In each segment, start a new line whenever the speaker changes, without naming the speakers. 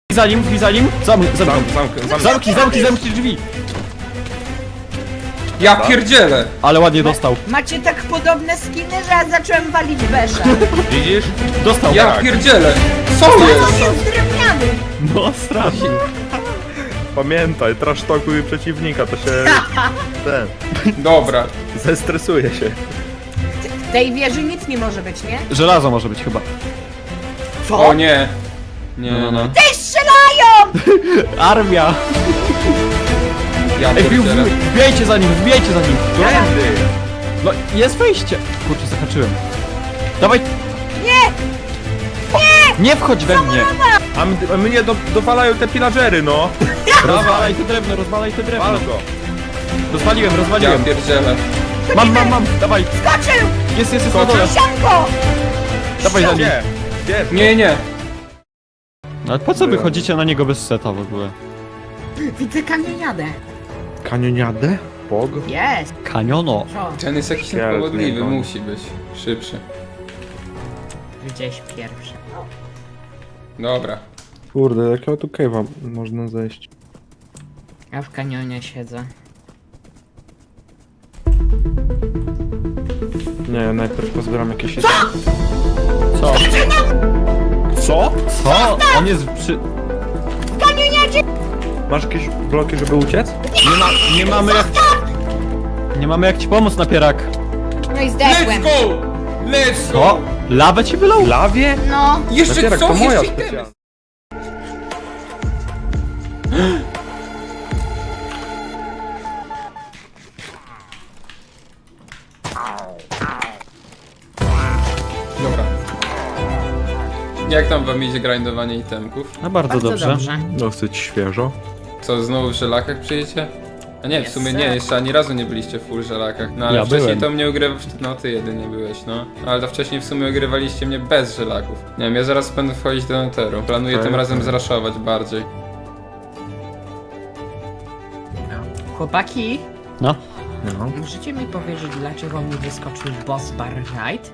Za nim. Zamknij drzwi.
Ja pierdzielę!
Ale ładnie dostał.
Macie tak podobne skiny, że ja zacząłem walić besza.
Widzisz?
Dostał.
Ja pierdzielę! Co jest?
Jest drewniany.
No strasznie.
Pamiętaj, trasztokuj przeciwnika, to się... ten...
Dobra.
zestresuje się.
W tej wieży nic nie może być, nie?
Żelazo może być chyba.
O nie. Nie,
No.
Ty strzelają!
Armia.
Ja
Ej,
pierdzielę.
wbijajcie za nim.
Którędy?
No, jest wejście. Kurczę, zahaczyłem. Dawaj.
Nie!
Nie wchodź we mnie.
A mnie dowalają te pillagery, no.
Rozwalaj te drewno.
Wal go.
Rozwaliłem.
Ja pierdzielę.
Mam. Dawaj.
Skoczył!
Jest na dole.
Sianko!
Dawaj za nim.
Gdzie?
Nie.
Ale po co wychodzicie na niego bez seta w ogóle?
Widzę kamieniadę.
Kanioniadę? Bog?
Jest.
Kaniono.
Co?
Ten jest jakiś
Ja
niepowodliwy,
rozumiem.
musi być szybszy.
Gdzieś pierwszy.
Dobra.
Kurde, jakiego tu cave'a można zejść?
Ja w kanionie siedzę.
Nie, ja najpierw pozbieram jakieś...
Co?
Co?
Co? On jest przy...
Masz jakieś bloki, żeby uciec?
Nie mamy jak ci pomóc, napierak.
No i
Let's
zdechłem.
go! Let's go!
O! Lawę ci wylał?
W lawie?
No.
Jeszcze
Napierak,
co?
to moja
Jeszcze
specjalna.
itemy. Dobra. Jak tam wam idzie grindowanie itemków?
No bardzo dobrze.
Dosyć świeżo.
Co, znowu w żelakach przyjdziecie? A nie, w
Yes,
sumie
sir.
nie, jeszcze ani razu nie byliście w full żelakach. No ale
Ja
wcześniej
byłem.
to mnie ugrywasz. No ty jedynie byłeś, no. Ale to wcześniej w sumie ugrywaliście mnie bez żelaków. Nie wiem, ja zaraz będę wchodzić do Netheru. Planuję
Tak,
tym razem
tak.
zraszować bardziej.
Chłopaki,
No.
No.
możecie mi powiedzieć, dlaczego mi wyskoczył boss bar right?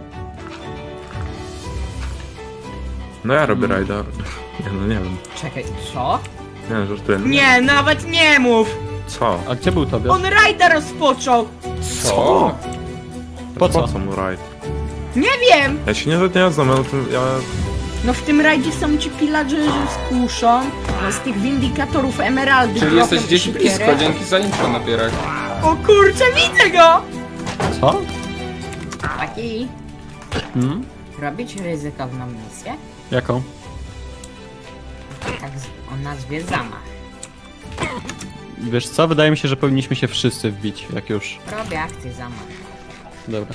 No ja robię rajda. Nie no, nie wiem.
Czekaj, co?
Nie, żartuję.
Nie, nawet nie mów!
Co?
A gdzie był tobie?
On rajda rozpoczął!
Co?
Po co?
Po co mu rajd?
Nie wiem!
Ja się nie znam, ale to ja...
No w tym rajdzie są ci pillagerzy z kuszą, no z tych windikatorów emeraldy.
Czyli
blokiem
jesteś
i
gdzieś
siekierę.
blisko, dzięki za info napierak.
O kurczę, widzę go!
Co?
Taki,
Hmm?
robić ryzykowną misję?
Jaką?
Tak o nazwie zamach.
Wiesz co? Wydaje mi się, że powinniśmy się wszyscy wbić, jak już.
Robię akcję zamach.
Dobra.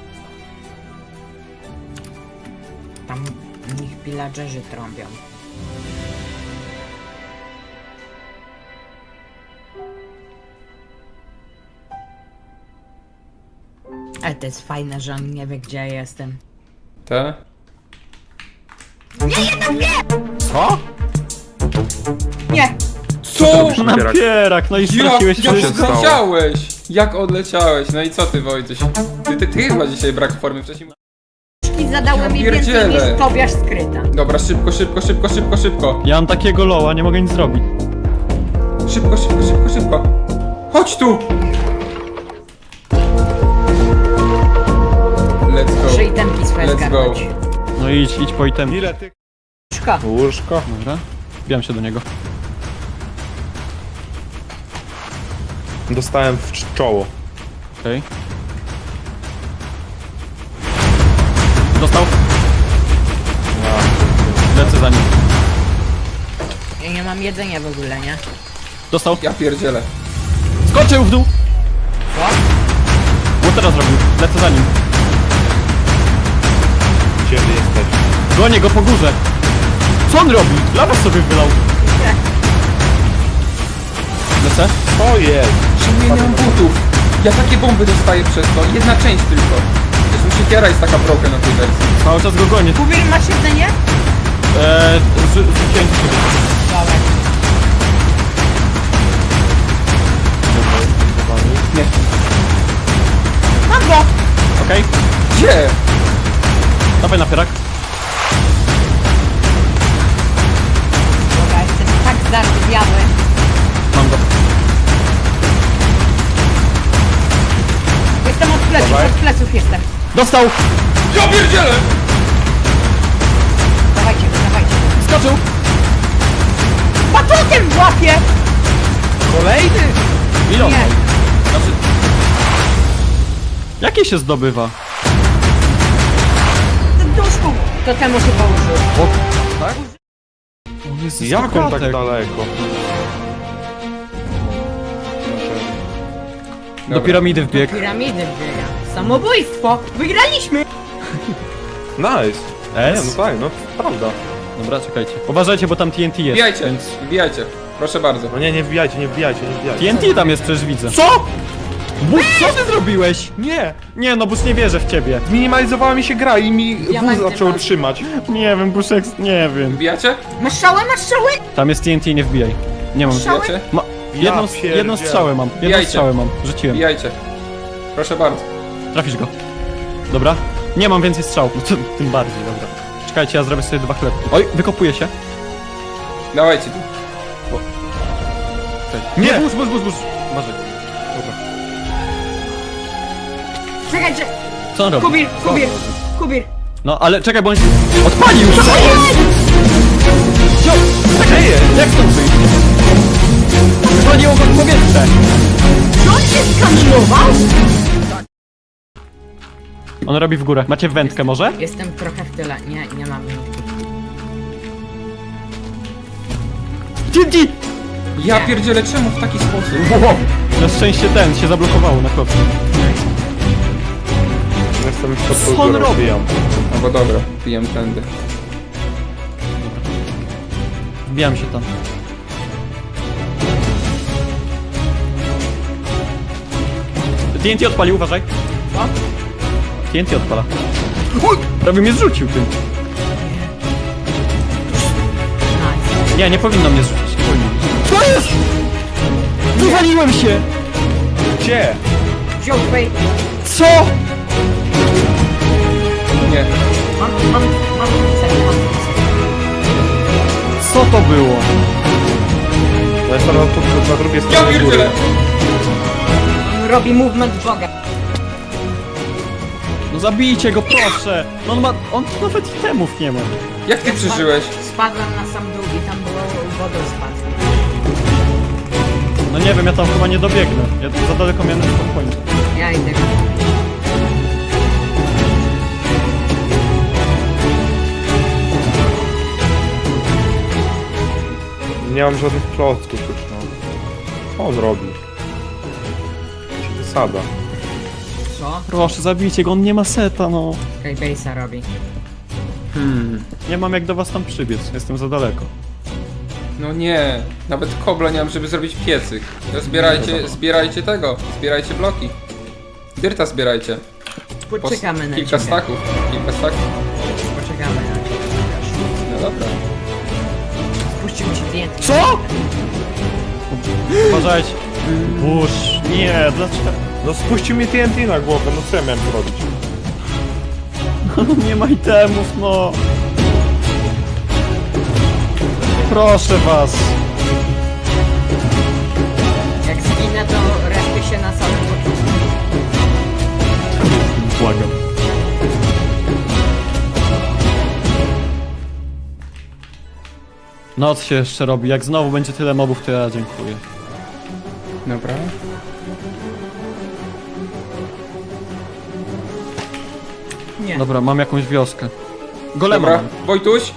Tam w nich pillagerzy trąbią. Ale to jest fajne, że on nie wie, gdzie ja jestem.
Te?
Co?
Nie!
Co?
Napierak, no i straciłeś
się
wszystko.
stało?
odleciałeś? Jak odleciałeś? No i co ty, Wojtuś? Ty chyba dzisiaj brak formy wcześniej.
I zadałem mi więcej
pierdzielę.
niż Tobiasz skryta.
Dobra, szybko.
Ja mam takiego loła, nie mogę nic zrobić.
Szybko. Chodź tu! Let's
Muszę
go.
itemki swoje
Let's go.
zgarnąć.
No idź po item.
Ile ty...
Szko.
Łóżko?
Dobra. Wbijam się do niego.
Dostałem w czoło.
Okej. Dostał. Lecę za nim.
Ja nie mam jedzenia w ogóle, nie?
Dostał.
Ja pierdzielę.
Skoczył w dół.
Co?
Co teraz robił? Lecę za nim.
Gdzie wy jesteś?
Gonię go po górze. Co on robi? Lawę sobie wylał. Lecę.
O jest!
Czemu ja nie mam butów? Ja takie bomby dostaję przez to. Jedna część tylko. Zresztą siekiera jest taka broken na tej wersji.
Cały czas go gonię.
Kubir, masz jedzenie?
Rzuciłem ci sobie.
Dobra.
Nie.
Mam go!
Okej.
Gdzie?
Dawaj napierak.
Gotów jestem.
Dostał!
Ja pierdzielę!
Dawajcie go, dawajcie go.
Skoczył!
Batutem w łapie!
Kolejny! Ile on
Nie.
ma? Znaczy... Jakie się zdobywa?
Duszku! To temu chyba użył.
O, tak? O Jezus,
Jak on tak
kratek.
daleko?
Do piramidy wbiegł.
Piramidy biega. Samobójstwo! Wygraliśmy!
Nice. Nie,
S?
no tak, no prawda.
Dobra, czekajcie. Uważajcie, bo tam TNT jest.
Wbijajcie,
Więc...
wbijajcie. Proszę bardzo.
No nie wbijajcie, nie wbijajcie, nie wbijajcie.
TNT tam jest, przecież widzę.
Co?
Bus, co ty zrobiłeś?
Nie!
Nie no, Bus, nie wierzę w ciebie.
Zminimalizowała mi się gra i mi
Diamenty
wóz zaczął
masz.
trzymać.
Nie wiem, Buszek, nie wiem.
Wbijacie?
Masz strzałę, masz strzałę!
Tam jest TNT, nie wbijaj. Nie mam.
Strzały?
Wbijacie?
Ma... Jedną,
pierdzielę.
jedną strzałę mam. Jedną
Wbijajcie.
strzałę mam. Rzuciłem.
Wbijajcie. Proszę bardzo.
Trafisz go. Dobra. Nie mam więcej strzał. No to, tym bardziej, dobra. Czekajcie, ja zrobię sobie 2 chlebki. Oj, wykopuje się.
Dawajcie tu.
Nie! Burz. Uważaj. Dobra.
Czekajcie!
Co on robi?
Kubir!
No, ale czekaj, bo on się odpalił! Co jest? Wziął! Czekaj, jak stąd wyjść? Zwaliło go w powietrze!
Czy on się skamilował?
On robi w górę. Macie wędkę może?
Jestem trochę w tyle. Nie mam.
TNT!
Ja pierdzielę, czemu w taki sposób?
Wow. Na szczęście ten się zablokowało na kopie.
Jestem już pod
Co on
górą,
robi?
wbijam.
No bo dobra, pijem tędy.
Wbijam się tam. TNT odpalił, uważaj.
Co?
TNT odpala. Uj, prawie mnie zrzucił tym.
Nice.
Nie powinno mnie zrzucić. Nie powinno. Co jest? Wywaliłem się!
Gdzie?
Wziął twej.
Co?
Nie.
Mam
Co to było?
No jestem na drugiej
Ja
stronie góry.
pierdzielę!
On robi movement Boga.
No zabijcie go, proszę! No on nawet itemów nie ma.
Jak ty przeżyłeś?
Spadłem na sam dół i tam było wodospad.
No nie wiem, ja tam chyba nie dobiegnę. Ja za daleko miałem na spokojnie.
Ja idę.
Nie mam żadnych klocków już, no. Co on robi? Wysada.
Co?
Proszę, zabijcie go, on nie ma seta, no.
Skybase'a robi.
Nie mam jak do was tam przybiec, jestem za daleko.
No nie. Nawet kobla nie mam, żeby zrobić piecyk. To zbierajcie tego. Zbierajcie bloki. Dyrta zbierajcie.
Poczekamy na
Kilka
ciebie.
staków. Kilka staków.
Poczekamy na ciebie.
No dobra.
Spuścił ci zdjęcie.
Co? Uważajcie. Burz, nie, dlaczego?
No spuścił mi TNT na głowę, no co ja miałem zrobić?
Nie ma itemów, no. Proszę was.
Jak zginę, to respię się na samym początku.
Błagam. Noc się jeszcze robi, jak znowu będzie tyle mobów, to ja dziękuję.
Dobra.
Nie.
Dobra, mam jakąś wioskę. Golema
Dobra.
mam.
Wojtuś.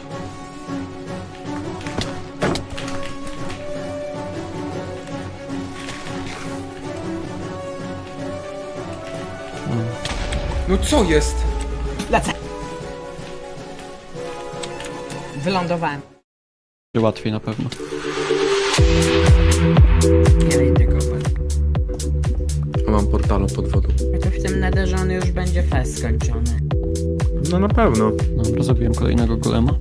No co jest?
Lecę. Wylądowałem.
Łatwiej na pewno.
Nie idę kopać.
Mam portalu pod wodą.
To w tym netherze on już będzie fest skończony.
No na pewno.
Dobra, zabiłem kolejnego golema.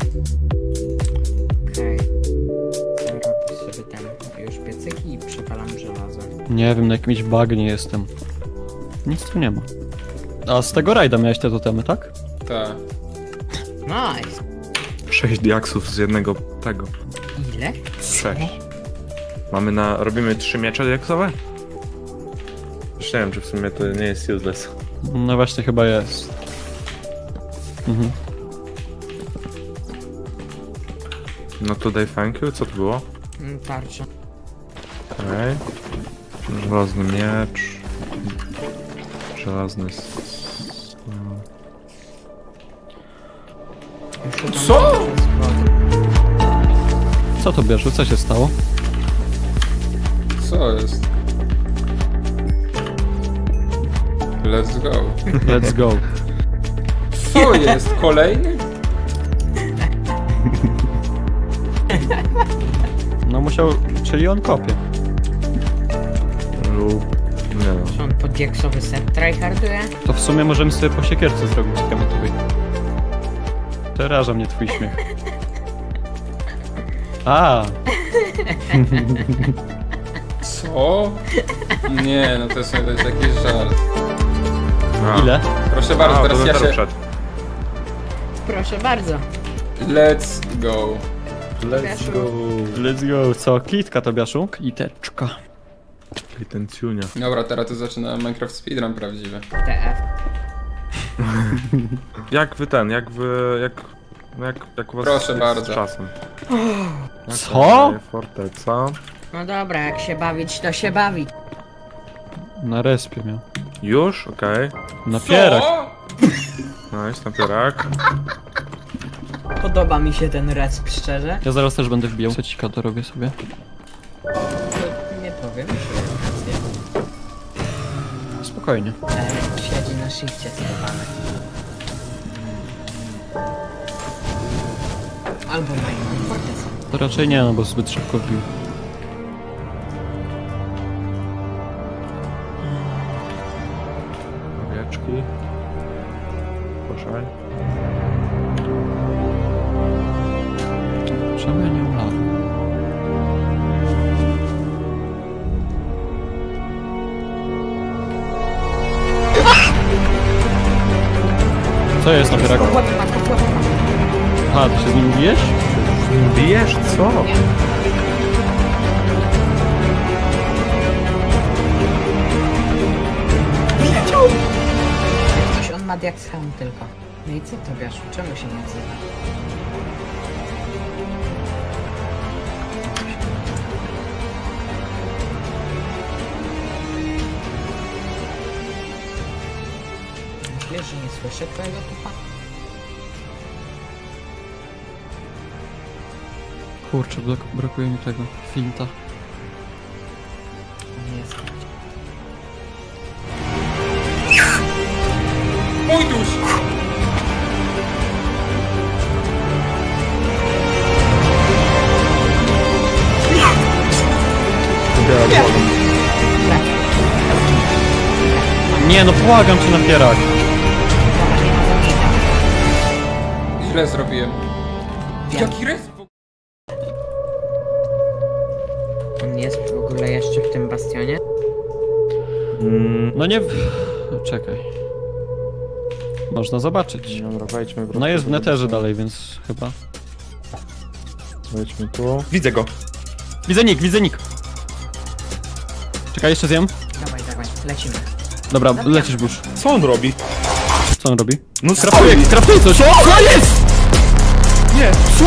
Okej. Robię sobie ten już piecyki i przepalam żelazo.
Nie wiem, na jakimś bagnie jestem. Nic tu nie ma. A z tego rajda miałeś te totemy, tak?
Tak.
Nice.
6 diaksów z jednego tego.
Ile?
6. Robimy 3 miecze diaksowe? Już nie wiem, czy w sumie to nie jest useless.
No właśnie chyba jest. Mhm.
No tutaj thank you, co to było?
Tarcza.
Okej. Żelazny miecz. Żelazny...
Co?
Co to bierze? Co się stało?
Co jest? Let's go.
Let's go.
Co jest? Kolejny?
No musiał... Czyli on kopie.
lub... Nie no.
Czy on poddieksowy set tryharduje?
To w sumie możemy sobie po siekierce zrobić kametowej. Przeraża mnie twój śmiech. A,
Co? Nie, no to jest jakiś żart.
A.
ile?
Proszę bardzo, teraz ja się...
Przed.
Proszę bardzo.
Let's go.
Let's go.
Let's go. Co? Kitka to biaszu? Kiteczka.
I ten ciunia.
Dobra, teraz to zaczyna Minecraft speedrun prawdziwy.
TF.
Jak wy ten, jak wy... Jak u was
Proszę
jest
bardzo.
z czasem?
Co?
Forteca.
No dobra, jak się bawić, to się bawić.
Na respie miał.
Już? Okej.
Napierak.
Co?
Nice, napierak.
Podoba mi się ten resp, szczerze.
Ja zaraz też będę wbijał. Secika dorobię sobie.
To nie powiem, że
Spokojnie.
siedzi na shifcie schowany. Albo na innym fortecy.
To raczej nie, no bo zbyt szybko wbił.
Owieczki. Proszę.
Czemu ja nie mam lawy? Co jest napierak? Aha, ty się z nim bijesz?
Bijesz? Co?
Coś on ma jak scham tylko. No i co to wiesz? Czemu się nie odzywa? Myślisz, że nie słyszę twojego tupa?
Kurczę, brakuje mi tego. Finta.
Nie jest.
Pójduś!
Nie no, błagam cię napierak.
Dobra, nie ma zamknięcia.
Źle zrobiłem.
Wiem.
Jaki resp?
On jest w ogóle jeszcze w tym bastionie?
No nie... Czekaj. Można zobaczyć.
Dobra, wejdźmy
No jest w neterze dalej, więc chyba...
Wejdźmy tu. Widzę go.
Widzę nick. Czekaj, jeszcze zjem.
Dawaj, lecimy.
Dobra, lecisz burz.
Co on robi?
Co on robi?
No
Kraftuje coś! Co jest?!
Nie!
Co?!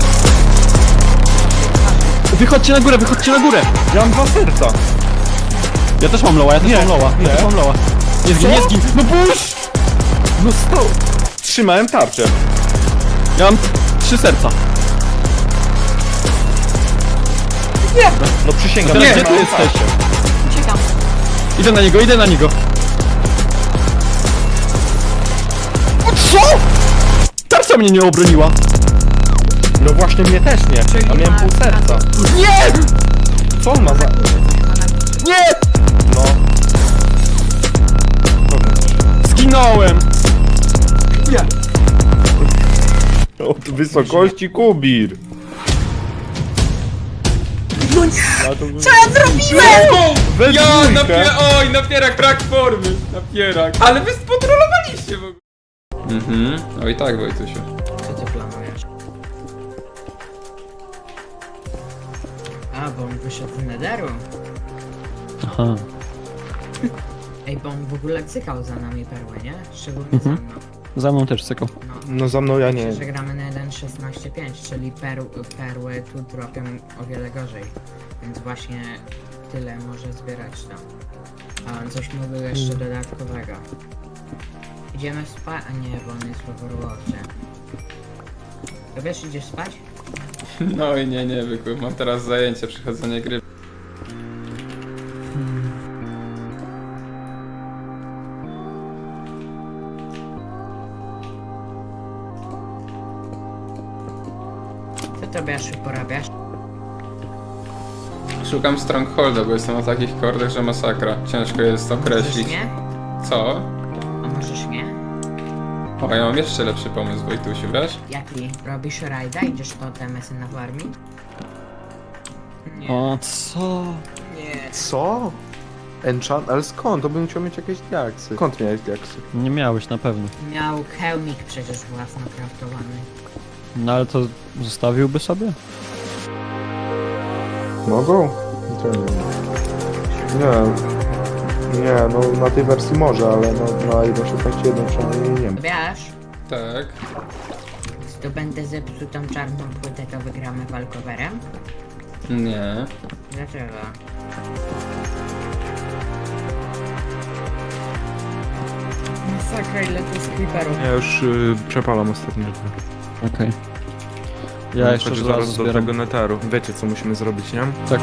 Wychodźcie na górę!
Ja mam 2 serca.
Ja też mam loła, ja też mam loła. Nie zgin! No burz!
No stał. Trzymałem tarczę.
Ja mam 3 serca.
No przysięgam.
Teraz
Nie,
gdzie ty
mam
jesteś?
tarczę.
Uciekam.
Idę na niego. O, co?! Tarcza mnie nie obroniła!
No właśnie mnie też nie. A miałem pół serca.
Nie!
Co on ma za...
Nie!
No.
Zginąłem!
Od wysokości Kubir.
Co ja zrobiłem?!
Ja oj, napierak brak formy! Napierak. Ale wy spotrolowaliście w ogóle. Oj tak, Wojtusiu.
Co ty planujesz? A, bo on wyszedł z nederu.
Aha.
Ej, bo on w ogóle cykał za nami perłę, nie? Szczególnie za mną.
Za mną też cykał.
No.
No za mną ja nie.
Myślę, że gramy na 1.16.5, czyli perły tu dropią o wiele gorzej. Więc właśnie tyle może zbierać tam. A on coś mówił jeszcze dodatkowego. Idziemy spać? A nie, bo on jest w Overwatchie. To wiesz, idziesz spać?
No i nie, byku. Mam teraz zajęcie, przechodzenie gry.
Co to Biaszu porabiasz?
Szukam Strongholda, bo jestem na takich kordach, że masakra. Ciężko jest
Możesz
określić.
nie?
Co?
A możesz nie?
O, ja mam jeszcze lepszy pomysł, Wojtusiu, wiesz?
Jaki? Robisz rajda? Idziesz to TMS-y na farmi? Nie.
O, co?
Nie.
Co? Enchant? Ale skąd? To bym musiał mieć jakieś diaksy. Skąd miałeś diaksy?
Nie miałeś na pewno.
Miał hełmik przecież własno kraftowany.
No ale to zostawiłby sobie?
Mogą? To nie. Nie, no na tej wersji może, ale no, na 1.16.1 przynajmniej nie ma.
Wiesz,
Tak.
zdobędę zepsutą czarną płytę, to wygramy walkowerem?
Nie.
Dlaczego? Masakra, ile to jest creeperów.
Ja już przepalam ostatnio.
Okej. Ja jeszcze
Chodź
żelazo
zaraz do
zbieram.
tego neteru. Wiecie co musimy zrobić, nie?
Tak.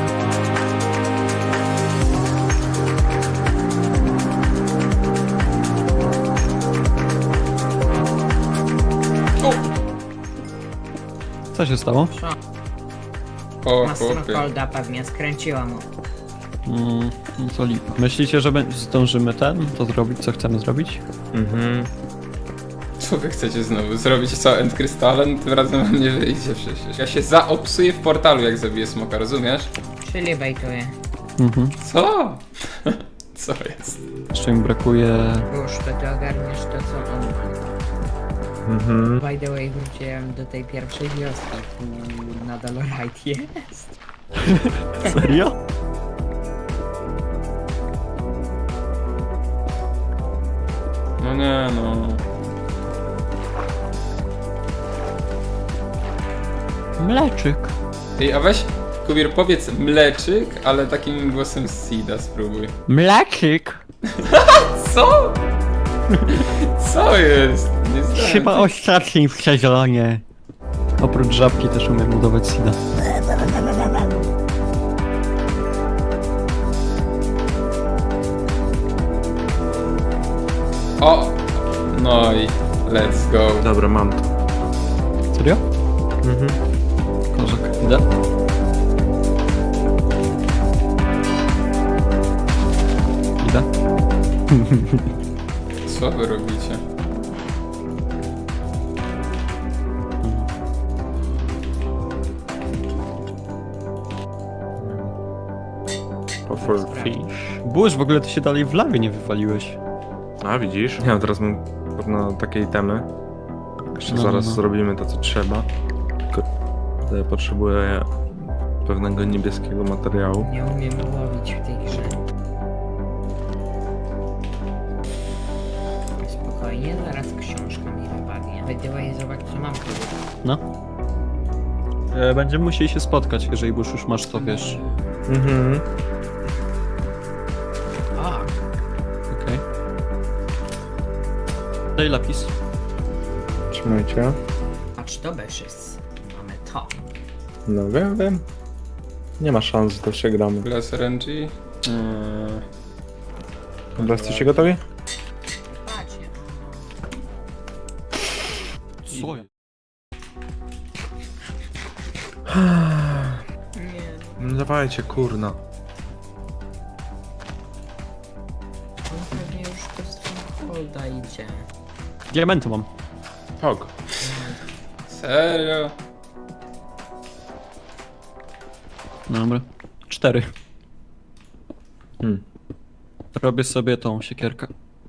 Co się stało?
O,
Ma
chłopie.
Strongholda pewnie, skręciła mu.
No to lipa. Myślicie, że zdążymy to zrobić, co chcemy zrobić?
Mhm.
Co wy chcecie znowu zrobić? Co, End Crystalem? Tym razem wam nie wyjdzie przecież. Ja się zaopsuję w portalu, jak zabiję smoka, rozumiesz?
Czyli bejtuje.
Mhm.
Co? Co jest?
Jeszcze mi brakuje...
Już, to ty ogarniesz to, co on ma.
Mhm.
By the way, wróciłem do tej pierwszej wioski. Tu nadal rajd jest.
Serio?
No nie, no.
Mleczyk.
Ej, a weź, Kubir, powiedz mleczyk, ale takim głosem Sida spróbuj.
Mleczyk?
Co? Co jest? Nie zdałem.
Chyba ostatni w sezonie. Oprócz żabki też umiem budować sida.
O! No i let's go.
Dobra, mam to.
Serio?
Mhm.
Kozak. Idę. Idę.
Co wy robicie?
For fish.
Burz, w ogóle ty się dalej w lawie nie wywaliłeś.
A widzisz? Ja teraz mam na takiej temy. Jeszcze
No,
zaraz
no.
zrobimy to co trzeba. Tylko potrzebuję pewnego niebieskiego materiału.
Nie umiem łowić w tej grze. Spokojnie, zaraz książka mi wypadnie. By the way, zobacz co mam tu.
No. Będziemy musieli się spotkać, jeżeli Burz już masz to, wiesz.
Mhm.
O,
Okej. Daj lapis.
Trzymajcie.
patrz to Beszyc. Mamy to.
No wiem. Nie ma szans, że to przegramy.
Glass RNG?
Dobra, jesteście gotowi?
Patrzcie.
Co?
Nie,
No dawajcie, kurna.
on pewnie już do Strongholda idzie.
Diamenty mam.
Hog.
Serio?
Dobra. 4.
Hmm.
Robię sobie tą siekierkę.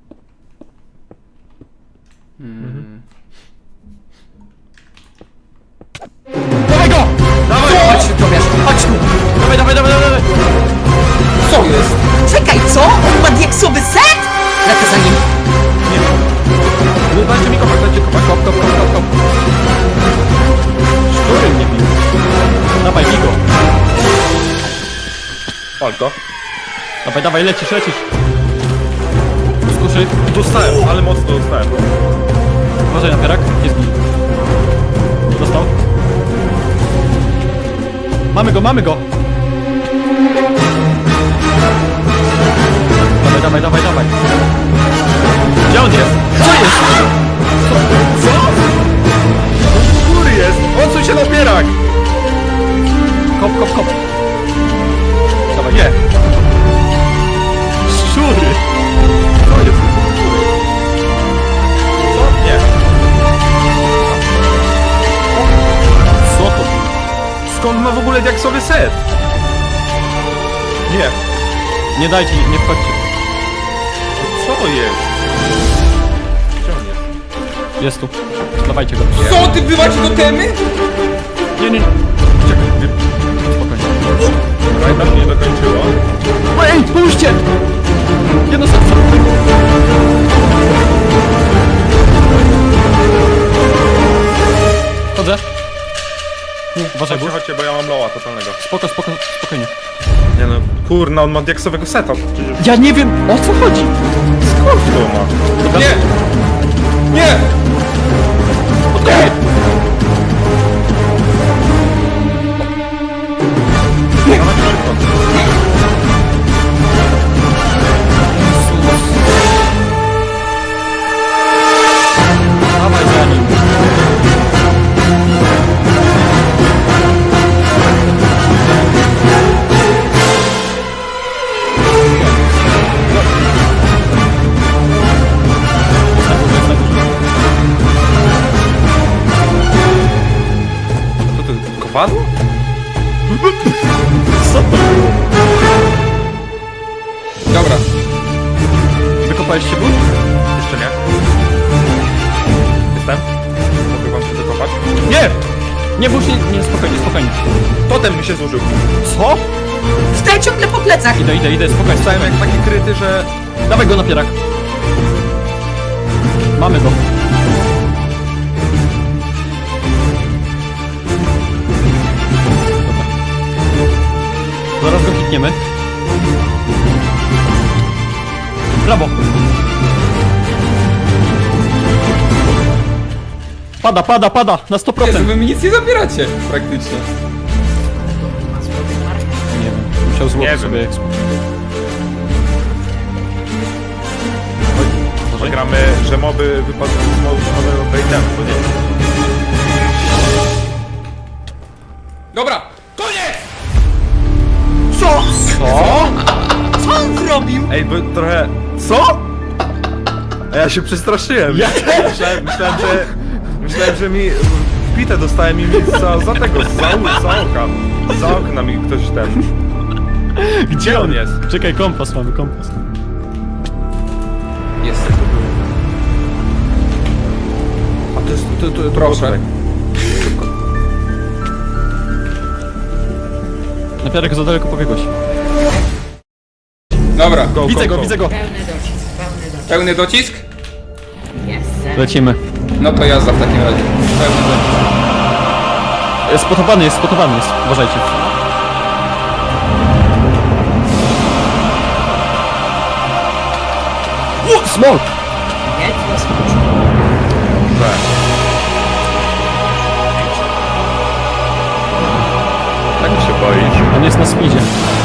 Chodź tu, Tobiasz, chodź tu!
Dawaj!
Co jest?
Czekaj, co? On ma diaksowy set? Lecę za nim.
No dajcie mi kopać, dajcie kopać. Kop, kop, kop, kop, kop. Szczury mnie bił. Dawaj, Bigo.
Pal to.
Dawaj, dawaj, lecisz, lecisz. Skuszy.
Dostałem, ale mocno dostałem.
Uważaj na pierak, jest git. Dostał. Mamy go, mamy go! Dawaj, dawaj, dawaj, dawaj. Gdzie on jest? Co jest?
Co? Góry jest! Odsuń się na pierak!
Kop, kop, kop. Dawaj,
Nie!
szczury!
Co jest? Co? Nie.
Co to?
Skąd ma w ogóle diaksowy set? Nie.
Nie dajcie, nie wchodźcie.
Co jest? Gdzie on jest?
Jest tu. Dawajcie go.
Co, ty wywaci do temy?
Nie, nie, nie.
Czekaj,
Spokojnie.
Rajda się nie dokończyło.
Ej, pomóżcie! Jedno serce. Chodzę. Uważaj,
Chodźcie,
bo.
chodźcie, bo ja mam loła totalnego.
Spoko, spoko, spokojnie.
Nie no, kurna, on ma diaksowego seta. Przecież
Ja nie wiem, o co chodzi.
skąd to ma?
Nie! Nie!
Okej.
Dawaj szybko.
Dawaj za nim.
Co to, kowadło?
Co to było?
Dobra.
Wykopałeś się, Bóg?
Jeszcze nie. Jestem? Mogę wam się dokopać?
Nie! Nie, Bóg, nie, spokojnie, spokojnie.
Totem mi się zużył.
Co?
Wstaję ciągle po plecach.
Idę, spokojnie.
Stałem jak taki kryty, że...
Dawaj go na pierak. Mamy go. Dobra. Zaraz go hitniemy. Brawo. Pada, na 100%.
Jezu, wy mi nic nie zabieracie, praktycznie.
Ma sobie markę.
Nie wiem, musiał
Nie
złożyć
wiem.
sobie ekspert.
Może gramy, że moby wypadną z mobowego baitemu, bo nie.
Dobra, koniec!
Co?
Co on zrobił?
Ej, bo trochę... Co? A ja się przestraszyłem.
Ja
Myślałem, że mi wbite dostałem i mi za tego, za oka. Za okna mi ktoś ten...
Gdzie
on jest?
Czekaj, kompas mamy, kompas.
Jest.
A to jest...
Proszę.
Na pierak za daleko pobiegłeś.
Dobra,
Widzę go, widzę go.
Pełny docisk, pełny docisk.
pełny docisk?
Jest.
Lecimy.
No to jazda w takim razie. Pełny docisk.
Spotowany jest, uważajcie. O, smok!
Jedź do skończenia.
Tak mi się boisz.
On jest na speedzie.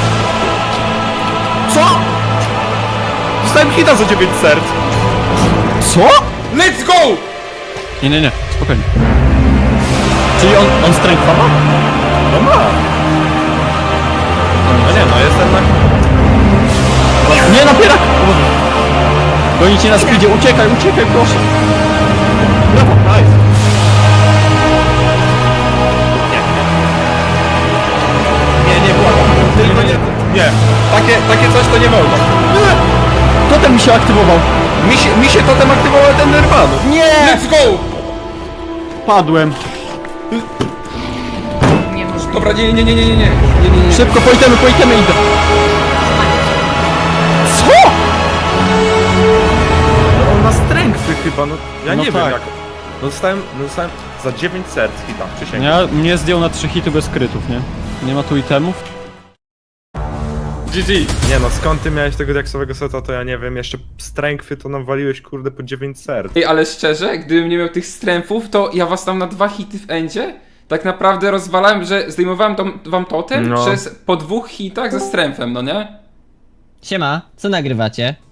Co? Dostałem hita za 9 serc.
Co?
Let's go!
Nie, spokojnie. Czyli on strength ma?
No ma. No nie, no jestem na...
Nie, napierak! Goni cię na speedzie, uciekaj, proszę.
Brawo, nice. Nie, błagam. Tylko nie... Nie. Takie coś to nie wolno.
Totem mi się aktywował.
Mi się totem aktywował ten Nirvana.
Nie!
Let's go!
Padłem.
Niemożliwe.
Dobra, nie.
Szybko, po itemy idę. Co?
chyba, no ja
No
nie
tak.
wiem jak. No dostałem za 9 serc hita, przysięgam.
Ja mnie zdjął na 3 hity bez krytów, nie? Nie ma tu itemów?
GG.
Nie no, skąd ty miałeś tego diaksowego seta, to ja nie wiem, jeszcze strengthy to nam waliłeś kurde po 9 serc.
Ej, ale szczerze, gdybym nie miał tych stręfów, to ja was tam na 2 hity w endzie tak naprawdę rozwalałem, że zdejmowałem wam totem
No.
po 2 hitach ze stręfem, no nie?
Siema, co nagrywacie?